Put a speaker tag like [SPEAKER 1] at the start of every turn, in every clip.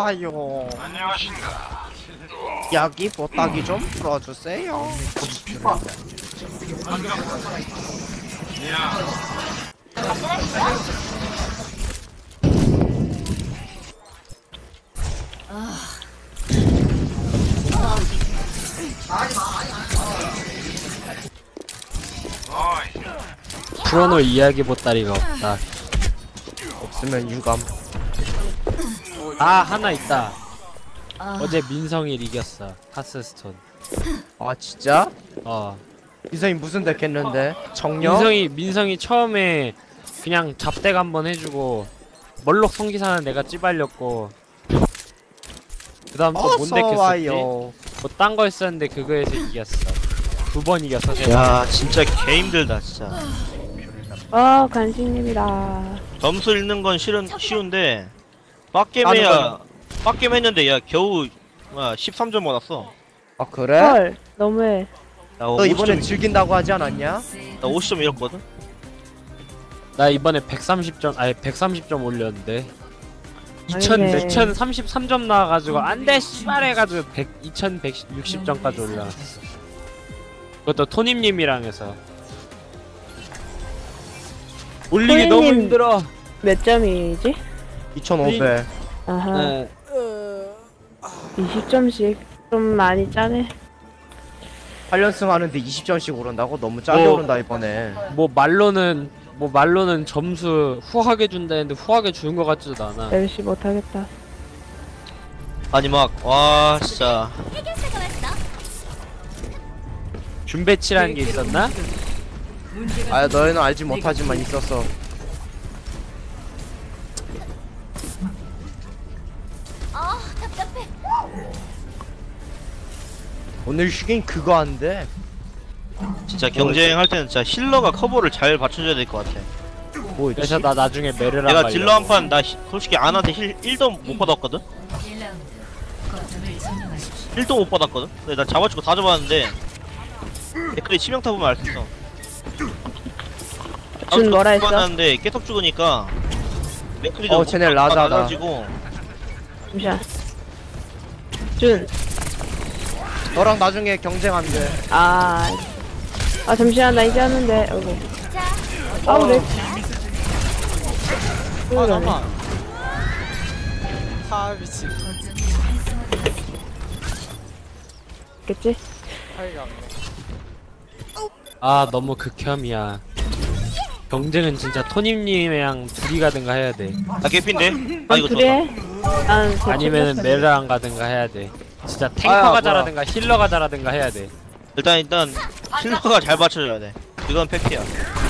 [SPEAKER 1] 아요. 여기 보따기 좀 풀어주세요.
[SPEAKER 2] 풀어놓을 이야기 보따리가 없다.
[SPEAKER 1] 없으면 유감.
[SPEAKER 2] 아, 하나 있다. 어제 민성일 이겼어. 하스스톤.
[SPEAKER 1] 아 진짜?
[SPEAKER 2] 어.
[SPEAKER 1] 이성이 무슨 덱 했는데? 정령?
[SPEAKER 2] 민성이 처음에 그냥 잡덱 한번 해주고 멀록 성기사는 내가 찌발렸고 그 다음 또 뭔 덱 했었지?
[SPEAKER 1] 와요.
[SPEAKER 2] 뭐 딴 거 했었는데 그거에서 이겼어. 2번 이겼어.
[SPEAKER 3] 야 진짜 개 힘들다 진짜.
[SPEAKER 4] 간신님이다.
[SPEAKER 3] 점수 읽는 건 쉬운데 빡겜해야 빡겜 했는데 야 겨우 13점 받았어.
[SPEAKER 1] 아 그래?
[SPEAKER 4] 헐, 너무해.
[SPEAKER 1] 너 이번엔 즐긴다고 하지 않았냐?
[SPEAKER 3] 나 50점 잃었거든?
[SPEAKER 2] 나 이번에 130점, 아니 130점 올렸는데
[SPEAKER 4] 아니네.
[SPEAKER 2] 2033점 나와가지고 안돼 씨발 해가지고 2160점까지 올라갔어. 그것도 토님님이랑 해서 올리기 너무
[SPEAKER 4] 토니님.
[SPEAKER 2] 힘들어.
[SPEAKER 4] 몇 점이지?
[SPEAKER 1] 2500.
[SPEAKER 4] 아하.
[SPEAKER 2] 네.
[SPEAKER 4] 20점씩 좀 많이 짜네.
[SPEAKER 1] 8연승 하는데 20점씩 오른다고? 너무 짜게
[SPEAKER 2] 뭐.
[SPEAKER 1] 오른다 이번에.
[SPEAKER 2] 뭐 말로는 점수 후하게 준다는데 후하게 주는 것 같지도 않아.
[SPEAKER 4] 열심히 못하겠다.
[SPEAKER 3] 아니 막 와 진짜
[SPEAKER 2] 준배치라는 게 있었나?
[SPEAKER 1] 아 너희는 알지 못하지만 있었어.
[SPEAKER 5] 답답해.
[SPEAKER 1] 오늘 휴게임 그거 한대.
[SPEAKER 3] 진짜 경쟁할 때는 진짜 힐러가 커버를 잘 받쳐줘야 될 것 같아.
[SPEAKER 1] 뭐
[SPEAKER 2] 그래서 나 나중에 메르랑
[SPEAKER 3] 내가
[SPEAKER 2] 가려고.
[SPEAKER 3] 딜러 한 판 나 솔직히 안한테 힐 1도 못 받았거든? 1도 못 받았거든? 근데 나 잡아주고 다 잡았는데 댓글에 치명타 보면 알 수 있어.
[SPEAKER 4] 준 뭐라 했어?
[SPEAKER 3] 받았는데 계속 죽으니까 맥클이 좀
[SPEAKER 1] 쟤네 라자다.
[SPEAKER 3] 달라지고
[SPEAKER 4] 잠시만. 준.
[SPEAKER 1] 너랑 나중에 경쟁한대.
[SPEAKER 4] 잠시만, 나 이제 하는데. 어이구.
[SPEAKER 5] 자,
[SPEAKER 4] 아우, 렉.
[SPEAKER 6] 잠깐. 미친.
[SPEAKER 4] 겠지?
[SPEAKER 6] 차이가 안
[SPEAKER 2] 아 너무 극혐이야. 경쟁은 진짜 토님님이랑 둘이 가든가 해야 돼.
[SPEAKER 3] 나 개핀데? 아 이거
[SPEAKER 4] 둘이 해?
[SPEAKER 3] 좋다.
[SPEAKER 4] 난
[SPEAKER 2] 아니면은 메르랑 가든가 해야 돼. 진짜 탱커가
[SPEAKER 1] 뭐야.
[SPEAKER 2] 잘하든가 힐러가 잘하든가 해야 돼.
[SPEAKER 3] 일단 힐러가 잘 받쳐줘야 돼. 이건 팩트야.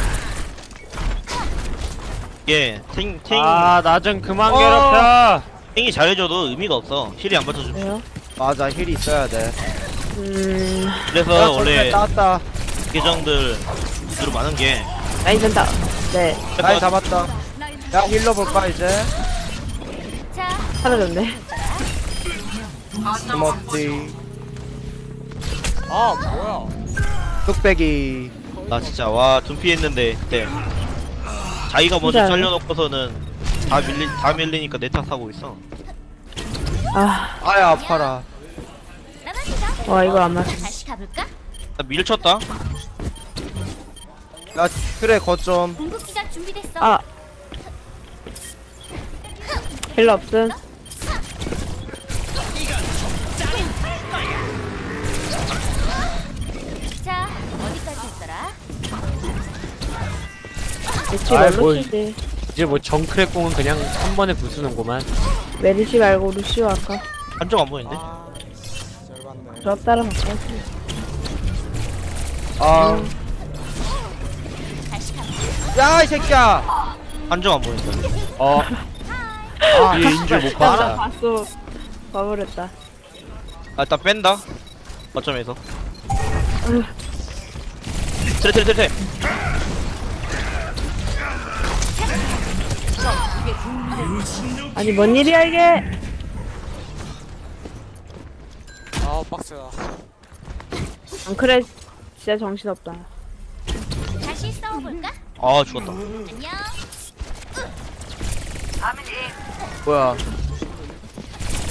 [SPEAKER 3] 이게
[SPEAKER 2] 나 좀 그만 괴롭혀.
[SPEAKER 3] 탱이 잘해줘도 의미가 없어. 힐이 안 받쳐줘.
[SPEAKER 4] 왜요?
[SPEAKER 1] 맞아 힐이 있어야 돼.
[SPEAKER 3] 그래서 원래
[SPEAKER 1] 따왔다.
[SPEAKER 3] 계정들 주로 많은 게
[SPEAKER 4] 라인 된다. 네.
[SPEAKER 1] 나이 잡았다. 야 힐러 볼까 이제?
[SPEAKER 5] 자,
[SPEAKER 4] 사라졌네.
[SPEAKER 1] 스머티
[SPEAKER 6] 아 뭐야?
[SPEAKER 1] 뚝배기.
[SPEAKER 3] 나 진짜 와 둔피했는데 그때 자기가 먼저
[SPEAKER 4] 진짜요?
[SPEAKER 3] 잘려놓고서는 다 밀리니까 내 탓하고 있어.
[SPEAKER 1] 아야 아파라.
[SPEAKER 5] 나가시죠.
[SPEAKER 4] 와, 이거 안 맞.
[SPEAKER 5] 다시 가볼까?
[SPEAKER 3] 나 밀쳤다.
[SPEAKER 1] 야 그래 거점.
[SPEAKER 5] 궁극기가 준비됐어.
[SPEAKER 4] 힐러 없음.
[SPEAKER 5] 자, 어디까지 했더라?
[SPEAKER 4] 대치
[SPEAKER 2] 아이,
[SPEAKER 4] 뭘로
[SPEAKER 2] 뭘.
[SPEAKER 4] 치지?
[SPEAKER 2] 이제 뭐 정크랙공은 그냥 한 번에 부수는구만.
[SPEAKER 4] 메리시 말고 루시오 할까?
[SPEAKER 3] 한 점 안 보이는데?
[SPEAKER 6] 열받네.
[SPEAKER 4] 저 따라 바꿔.
[SPEAKER 1] 아.
[SPEAKER 5] 다시 가볼까?
[SPEAKER 1] 야 이 새끼야.
[SPEAKER 3] 한 점 안 보이는데?
[SPEAKER 2] 뒤에 인줄 못 봤다.
[SPEAKER 4] 봤어. 봐버렸다.
[SPEAKER 3] 아 일단 뺀다. 거점에서. 트레.
[SPEAKER 4] 아니, 뭔 일이야, 이게?
[SPEAKER 6] 아 빡세다.
[SPEAKER 4] 그래, 진짜 정신없다.
[SPEAKER 5] 다시 싸워볼까?
[SPEAKER 3] 아 죽었다.
[SPEAKER 5] 안녕.
[SPEAKER 1] 뭐야?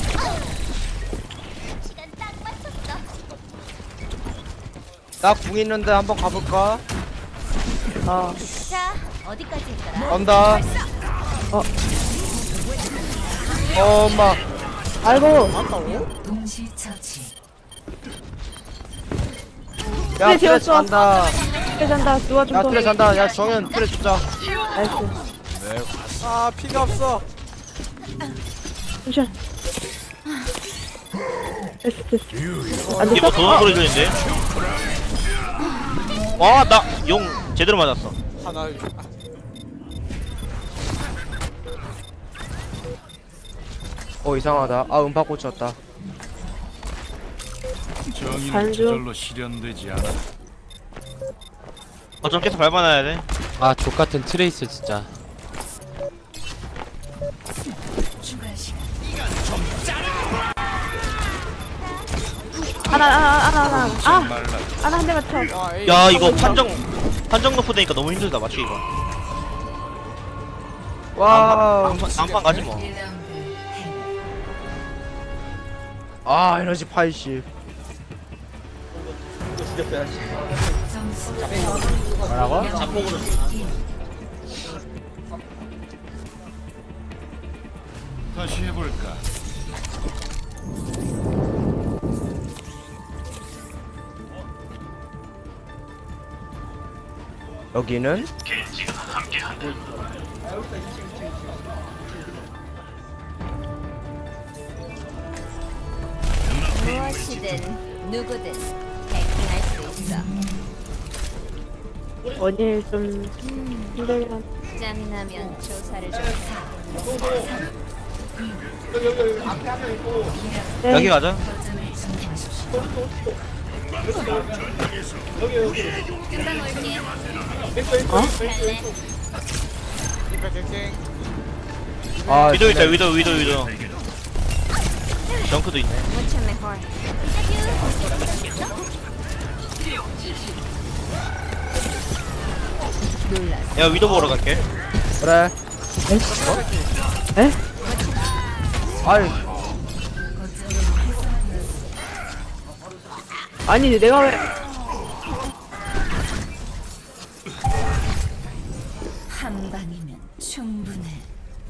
[SPEAKER 1] 나 궁 있는데 한번 가볼까?
[SPEAKER 4] 어.
[SPEAKER 5] 자, 어디까지 했더라?
[SPEAKER 1] 온다. 엄마.
[SPEAKER 4] 아이고.
[SPEAKER 1] 야,
[SPEAKER 4] 그래,
[SPEAKER 1] 트레
[SPEAKER 4] 재웠어.
[SPEAKER 1] 잔다.
[SPEAKER 4] 트레 잔다. 누가 좀
[SPEAKER 1] 야,
[SPEAKER 4] 더.
[SPEAKER 1] 트레 잔다. 야, 정현 트레 주자.
[SPEAKER 4] 나이스.
[SPEAKER 6] 아 피가 없어.
[SPEAKER 4] 잠시만. 됐어, 됐어. 안
[SPEAKER 3] 이거
[SPEAKER 4] 됐어?
[SPEAKER 3] 도는 소리 들리는데? 와, 나 용 제대로 맞았어.
[SPEAKER 6] 하나.
[SPEAKER 1] 이상하다. 아, 음파 꽂혔다.
[SPEAKER 7] 정의는
[SPEAKER 4] 반주.
[SPEAKER 7] 저절로 실현되지 않아.
[SPEAKER 3] 거점 계속 밟아놔야 돼.
[SPEAKER 2] 아 족같은 트레이스 진짜.
[SPEAKER 4] 하나. 아!
[SPEAKER 7] 말라.
[SPEAKER 4] 하나 한 대 맞춰.
[SPEAKER 6] 와 에이.
[SPEAKER 3] 야, 이거 판정 높고 되니까 너무 힘들다, 맞추기 이거.
[SPEAKER 1] 와우.
[SPEAKER 3] 다음판 가지 뭐.
[SPEAKER 1] 아, 에너지 80.
[SPEAKER 2] 뭐라고?
[SPEAKER 7] 다시 해볼까?
[SPEAKER 1] 여기는
[SPEAKER 5] 무엇이든 누구든 해킹할 수 있어.
[SPEAKER 4] 원일 좀 힘들긴 한.
[SPEAKER 5] 짬나면 조사를 좀 해.
[SPEAKER 4] 네.
[SPEAKER 3] 여기 가자.
[SPEAKER 5] 금방 올게. 갈래?
[SPEAKER 6] 이백 개킹.
[SPEAKER 1] 아,
[SPEAKER 3] 위도 있다, 위도. 정크도 있네.
[SPEAKER 5] Mucho mejor.
[SPEAKER 3] 야, 위도 보러 갈게.
[SPEAKER 1] 그래.
[SPEAKER 4] 에?
[SPEAKER 1] 아이,
[SPEAKER 4] 아니 내가 왜?
[SPEAKER 5] 한 방이면 충분해.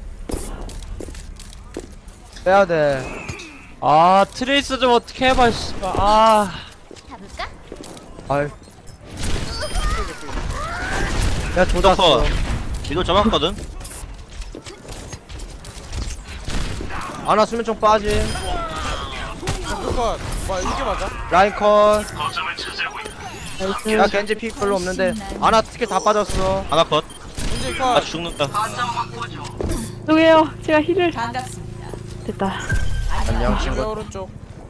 [SPEAKER 1] 빼야 돼.
[SPEAKER 2] 아 트레이스 좀 어떻게 해봐 씨발. 아
[SPEAKER 5] 가볼까?
[SPEAKER 1] 아이. 야, 조졌어.
[SPEAKER 3] 위도 잡았거든.
[SPEAKER 1] 아나 수면총 빠짐.
[SPEAKER 6] 그거 뭐 이게 맞아?
[SPEAKER 1] 라인 컷.
[SPEAKER 4] 나이스.
[SPEAKER 1] 야, 겐지 픽 별로 없는데. 아나 스킬 다 빠졌어.
[SPEAKER 3] 하나 컷.
[SPEAKER 6] 이제
[SPEAKER 3] 아,
[SPEAKER 6] 컷.
[SPEAKER 3] 죽는다.
[SPEAKER 4] 죄송해요. 제가 힐을 됐다.
[SPEAKER 1] 안녕,
[SPEAKER 6] 왜
[SPEAKER 1] 친구.
[SPEAKER 6] 오른쪽?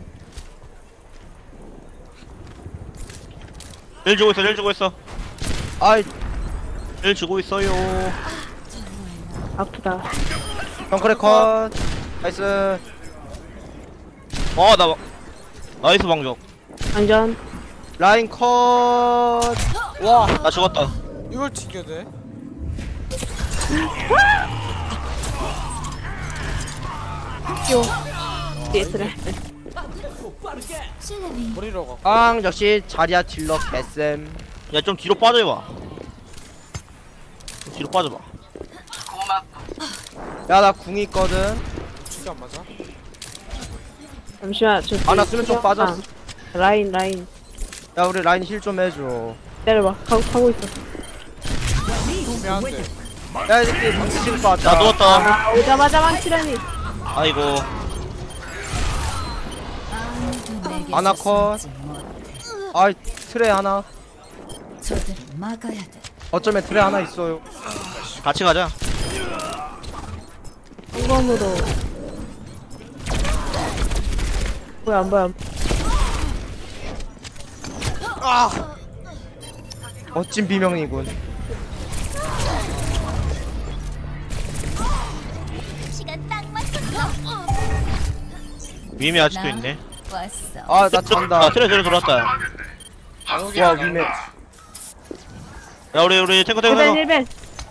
[SPEAKER 3] 일 주고 있어.
[SPEAKER 1] 아이,
[SPEAKER 3] 일 주고 있어요.
[SPEAKER 4] 아프다.
[SPEAKER 1] 덩크레 컷. 나이스.
[SPEAKER 3] 나이스 방정.
[SPEAKER 4] 장전.
[SPEAKER 1] 라인 컷.
[SPEAKER 6] 와
[SPEAKER 3] 나 죽었다.
[SPEAKER 6] 이걸 튀겨야 돼?
[SPEAKER 4] 뒤에 있으래.
[SPEAKER 6] 머리로 가.
[SPEAKER 1] 앙, 역시 자리아 딜러 개쌤.
[SPEAKER 3] 야, 좀 뒤로 빠져봐. 좀 뒤로 빠져봐.
[SPEAKER 1] 야, 나 궁이 있거든.
[SPEAKER 6] 죽이 안 맞아?
[SPEAKER 4] 잠시만. 저
[SPEAKER 1] 아나 수면총 빠졌어.
[SPEAKER 4] 아, 라인.
[SPEAKER 1] 야, 우리 라인 힐 좀 해줘.
[SPEAKER 4] 기다려봐. 가고 있어.
[SPEAKER 6] 미안한데.
[SPEAKER 1] 야, 이 새끼 방치 찍을 것 같다.
[SPEAKER 3] 나 누웠다.
[SPEAKER 4] 아 오자마자 망치라니.
[SPEAKER 3] 아이고.
[SPEAKER 1] 아나 컷. 아이, 트레 하나. 어쩌면 트레 하나 있어요.
[SPEAKER 3] 같이 가자.
[SPEAKER 4] 성검으로. 뭐야 안 보여.
[SPEAKER 1] 멋진 비명이군.
[SPEAKER 5] 시간 딱 맞췄어.
[SPEAKER 3] 위임이 아직도 있네.
[SPEAKER 5] 왔어.
[SPEAKER 1] 아, 나 잔다.
[SPEAKER 3] 트레 들어왔다.
[SPEAKER 1] 와, 위메.
[SPEAKER 3] 야, 우리 탱커.
[SPEAKER 4] 1벤.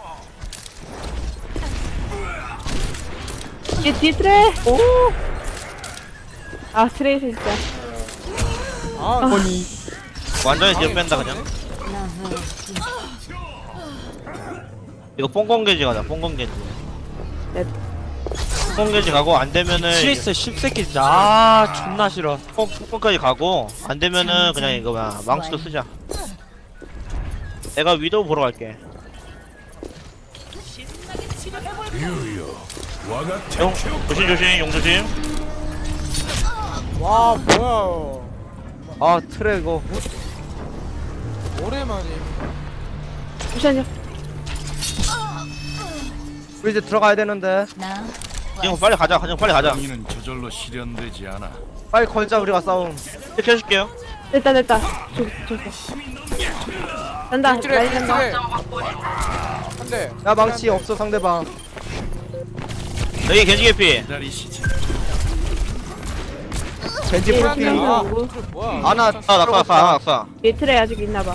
[SPEAKER 4] 뒤 트레. 오. 아 트레이스 진짜.
[SPEAKER 6] 아
[SPEAKER 1] 아니.
[SPEAKER 3] 완전히 뒤로 뺀다 그냥. 이거 뽕공개지 가자. 뽕공개지.
[SPEAKER 4] 네.
[SPEAKER 3] 뽕공개지 가고 안 되면은
[SPEAKER 2] 트레이서 씹새끼 진짜 아 존나 싫어.
[SPEAKER 3] 뽕까지 가고 안 되면은 그냥 이거 뭐야 망치도 쓰자. 내가 위도우 보러 갈게. 용 조심 조심 용 조심.
[SPEAKER 6] 와 뭐야
[SPEAKER 1] 아 트레 이거
[SPEAKER 6] 오랜만에
[SPEAKER 4] 잠시만요.
[SPEAKER 1] 우리 이제 들어가야 되는데
[SPEAKER 5] 나
[SPEAKER 3] 형 빨리 가자. 그냥 빨리 가자.
[SPEAKER 7] 정의는 저절로 실현되지 않아.
[SPEAKER 1] 빨리 걸자 우리가 싸움.
[SPEAKER 3] 이렇게 해줄게요.
[SPEAKER 4] 됐다. 간다.
[SPEAKER 6] 트레
[SPEAKER 4] 라인 간다.
[SPEAKER 6] 트레 한대
[SPEAKER 1] 야 망치 없어 상대방.
[SPEAKER 3] 여기 겐지 개피.
[SPEAKER 7] 기다리시지.
[SPEAKER 1] 겐지
[SPEAKER 4] 예,
[SPEAKER 1] 풀피.
[SPEAKER 4] 그냥
[SPEAKER 6] 아
[SPEAKER 4] 오고.
[SPEAKER 6] 트레 뭐야
[SPEAKER 3] 아
[SPEAKER 1] 아나
[SPEAKER 3] 낙사 아 낙사.
[SPEAKER 4] 얘 트레 아직 있나봐.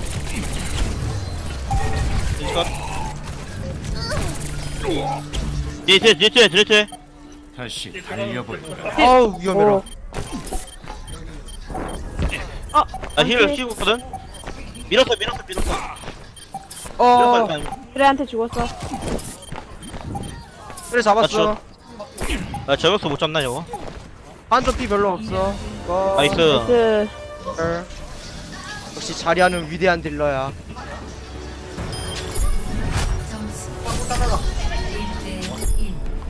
[SPEAKER 3] 뒤에
[SPEAKER 7] 다시 달려볼까.
[SPEAKER 1] 아우 위험해라.
[SPEAKER 4] 오. 어.
[SPEAKER 3] 나힐 씌우거든. 밀었어
[SPEAKER 1] 어
[SPEAKER 4] 트레한테 죽었어.
[SPEAKER 1] 트레 잡았어.
[SPEAKER 3] 나 저격수 못 잡나 이거.
[SPEAKER 1] 한쪽 피 별로 없어.
[SPEAKER 3] 나이스.
[SPEAKER 4] 그
[SPEAKER 1] 역시 자리하는 위대한 딜러야.
[SPEAKER 5] 점수 1대 1.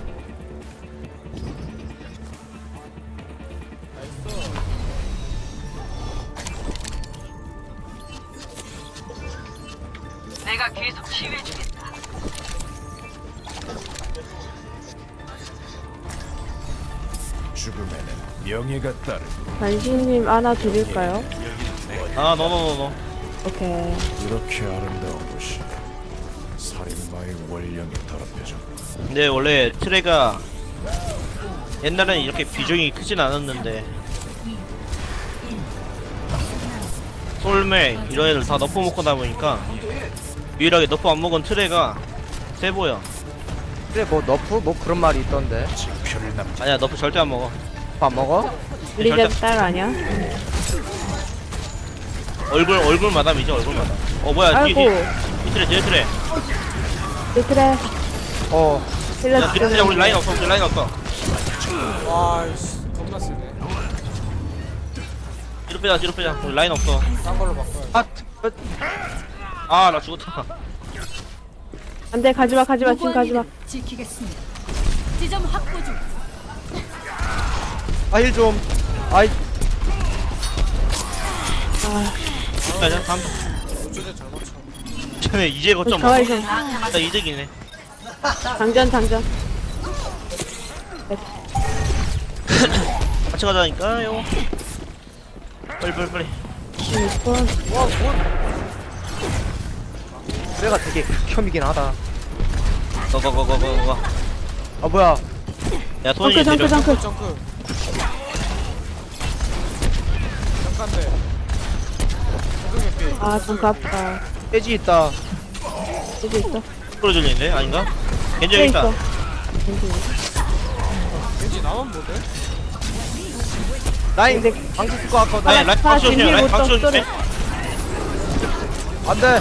[SPEAKER 7] 죽음에는 명예가 따르고
[SPEAKER 4] 간신님 하나 드릴까요?
[SPEAKER 3] 아 노노노노.
[SPEAKER 4] 오케이.
[SPEAKER 7] 이렇게 아름다운 곳이 살인마의 원령이 더럽혀져.
[SPEAKER 3] 근데 원래 트레가 옛날에는 이렇게 비중이 크진 않았는데 솔메 이런 애들 다 너프 먹고 나보니까 유일하게 너프 안 먹은 트레가 세 보여.
[SPEAKER 1] 트레 뭐 너프 뭐 그런 말이 있던데.
[SPEAKER 7] 징표를 남기.
[SPEAKER 3] 아니야 너프 절대 안 먹어.
[SPEAKER 1] 밥 먹어?
[SPEAKER 4] 리제 딸 아니야?
[SPEAKER 3] 얼굴 마담이죠 얼굴 마담. 어 뭐야
[SPEAKER 4] 아이고.
[SPEAKER 3] 이 트레 뒤에 트레.
[SPEAKER 4] 얘 트레.
[SPEAKER 1] 어.
[SPEAKER 3] 야 뒤에 트레 우리 라인 없어 우리 라인 없어.
[SPEAKER 6] 와이씨 겁나 세네
[SPEAKER 3] 뒤로 빼자 우리 라인 없어.
[SPEAKER 6] 딴 걸로 바꿔야
[SPEAKER 1] 아
[SPEAKER 3] 아 나 죽었다.
[SPEAKER 4] 안돼 가지마 지금 가지마.
[SPEAKER 5] 지키겠습니다. 지점 확보 중.
[SPEAKER 1] 힐 좀. 아이
[SPEAKER 3] 가자 다음.
[SPEAKER 6] 어쩌네 잘 맞춰
[SPEAKER 3] 쟤네 이제 거점 먹어.
[SPEAKER 4] 가만히 좀.
[SPEAKER 3] 나 이득이네.
[SPEAKER 4] 장전.
[SPEAKER 3] 같이 가자니까요. 빨리.
[SPEAKER 4] 6번.
[SPEAKER 1] 트레가 되게 극혐이긴 하다.
[SPEAKER 3] 거.
[SPEAKER 1] 아 뭐야?
[SPEAKER 3] 야 손이
[SPEAKER 4] 정크.
[SPEAKER 6] 점프 잠깐데
[SPEAKER 4] 아 정크 아프다.
[SPEAKER 1] 돼지 있다.
[SPEAKER 4] 여기 있어.
[SPEAKER 3] 끌어줄리는데 아닌가? 겐지
[SPEAKER 4] 트레
[SPEAKER 3] 여기 있다.
[SPEAKER 4] 있어.
[SPEAKER 6] 왠지 나만 못해?
[SPEAKER 1] 라인 방치 쓸거 같거든.
[SPEAKER 3] 라인 박수 주세요. 라인 박수 주세요.
[SPEAKER 1] 안돼.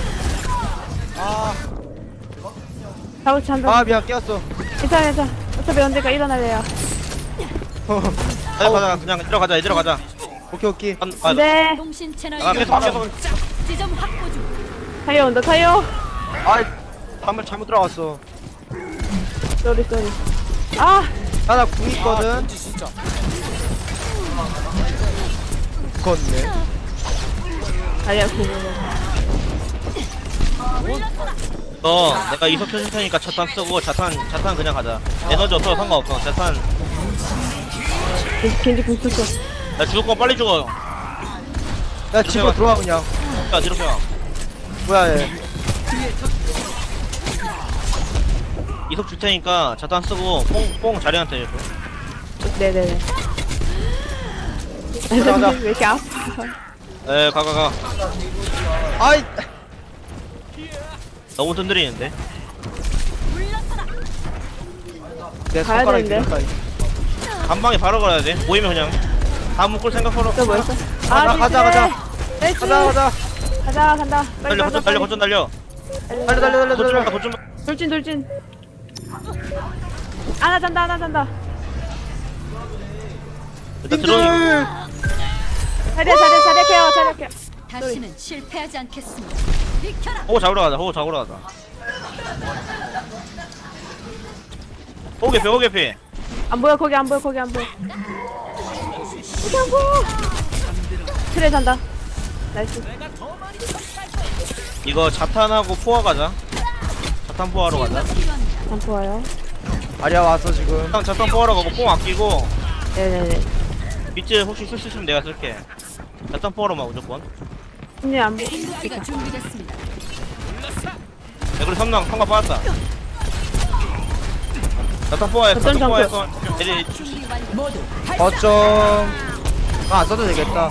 [SPEAKER 4] 사우치 한다.
[SPEAKER 1] 아 미안 깨웠어.
[SPEAKER 4] 괜찮아. 어차피 언젠가 일어날래야.
[SPEAKER 3] 가자 그냥 들어가자.
[SPEAKER 1] 오케이.
[SPEAKER 4] 안돼.
[SPEAKER 5] 통신 채널
[SPEAKER 3] 계속.
[SPEAKER 5] 지점 확보 중.
[SPEAKER 4] 타이어 온다 타이어.
[SPEAKER 1] 아이 한번 잘못 들어갔어.
[SPEAKER 4] 쏘리. 아
[SPEAKER 1] 나궁 있거든.
[SPEAKER 6] 왠지 진짜
[SPEAKER 1] 죽었네.
[SPEAKER 4] 다리야 구멍.
[SPEAKER 3] 내가 이석 켜줄 테니까 자탄 쓰고 자탄 그냥 가자. 에너지 없어도 상관없어. 자탄
[SPEAKER 4] 겐지 궁 썼어.
[SPEAKER 3] 나 죽을 거 빨리 죽어.
[SPEAKER 1] 야 집으로 들어와 그냥.
[SPEAKER 3] 야 뒤로 펴.
[SPEAKER 1] 뭐야 얘.
[SPEAKER 3] 이석 줄 테니까 자탄 쓰고 뽕 자리한테 해줘.
[SPEAKER 4] 네네네.
[SPEAKER 1] 들어가자.
[SPEAKER 4] 왜 이렇게 아파?
[SPEAKER 3] 가.
[SPEAKER 1] 아이
[SPEAKER 3] 너무 든들이는데.
[SPEAKER 1] 내
[SPEAKER 4] 가야
[SPEAKER 1] 손가락이
[SPEAKER 4] 되는데.
[SPEAKER 3] 한 방에 바로 걸어야 돼. 보이면 그냥 다음 묶을 생각하러.
[SPEAKER 4] 또 뭐였어?
[SPEAKER 1] 가자.
[SPEAKER 4] 트레. 나이스.
[SPEAKER 1] 가자.
[SPEAKER 4] 가자, 간다. 빨리,
[SPEAKER 3] 달려
[SPEAKER 4] 빨리,
[SPEAKER 3] 거점 달려
[SPEAKER 4] 빨리.
[SPEAKER 1] 달려.
[SPEAKER 3] 거점
[SPEAKER 4] 돌진. 하나 잔다.
[SPEAKER 3] 일단 들어오니
[SPEAKER 4] 자리야, 케어.
[SPEAKER 5] 다시는 실패하지 않겠습니다. 비켜라.
[SPEAKER 3] 호구 잡으러 가자 호구 개피
[SPEAKER 4] 안 보여, 거기 안 보여. 트레 잔다. 나이스.
[SPEAKER 3] 이거 자탄하고 포화 가자 자탄 포화로 가자
[SPEAKER 4] 잠프 와요.
[SPEAKER 1] 아리아 왔어 지금.
[SPEAKER 3] 자탄 포화로 가고 뽕 아끼고
[SPEAKER 4] 네네네.
[SPEAKER 3] 비트 혹시 쓸 수 있으면 내가 쓸게 자탄 포화로만 무조건
[SPEAKER 4] 언니 안 보여.
[SPEAKER 5] 공격기가 준비됐습니다.
[SPEAKER 3] 그리고 성광 빠졌다 자탄 포화했어
[SPEAKER 4] 어떤
[SPEAKER 3] 자탄 포화했어
[SPEAKER 5] 준비 완료.
[SPEAKER 1] 거점. 안 써도 되겠다.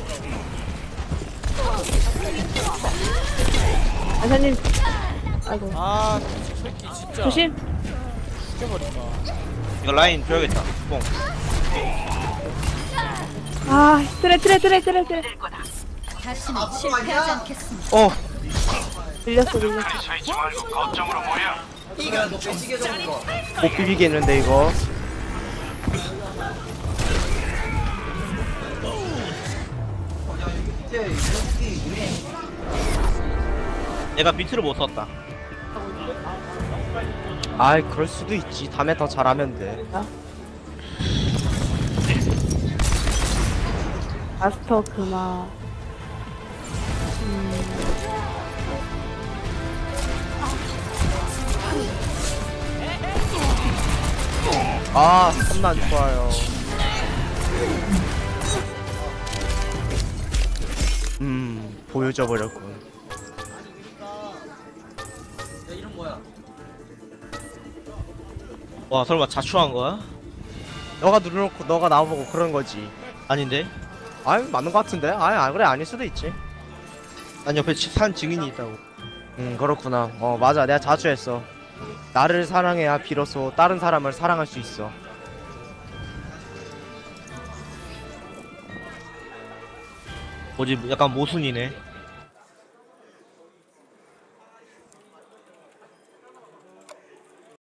[SPEAKER 4] 아사님. 아이고.
[SPEAKER 6] 아 새끼 진짜
[SPEAKER 4] 조심.
[SPEAKER 6] 죽여버린다.
[SPEAKER 3] 이거 라인 줘야겠다 뽕
[SPEAKER 4] 아, 트레.
[SPEAKER 5] 다시는 실패하지 않겠습니다.
[SPEAKER 4] 밀렸어.
[SPEAKER 1] 못 비비겠는데 이거.
[SPEAKER 3] 내가 비트를 못 썼다
[SPEAKER 1] 아이 그럴 수도 있지. 다음에 더 잘하면 돼.
[SPEAKER 4] 마스터 그마.
[SPEAKER 1] 아 참나 안 좋아요. 보여줘 버렸군.
[SPEAKER 3] 와 설마 자초한 거야?
[SPEAKER 1] 너가 누르놓고 너가 나보고 그런 거지.
[SPEAKER 3] 아닌데
[SPEAKER 1] 아이 맞는 거 같은데. 아이 그래 아닐 수도 있지.
[SPEAKER 3] 난 옆에 산 증인이 있다고
[SPEAKER 1] 그렇구나. 맞아 내가 자주했어. 나를 사랑해야 비로소 다른 사람을 사랑할 수 있어.
[SPEAKER 3] 뭐지 약간 모순이네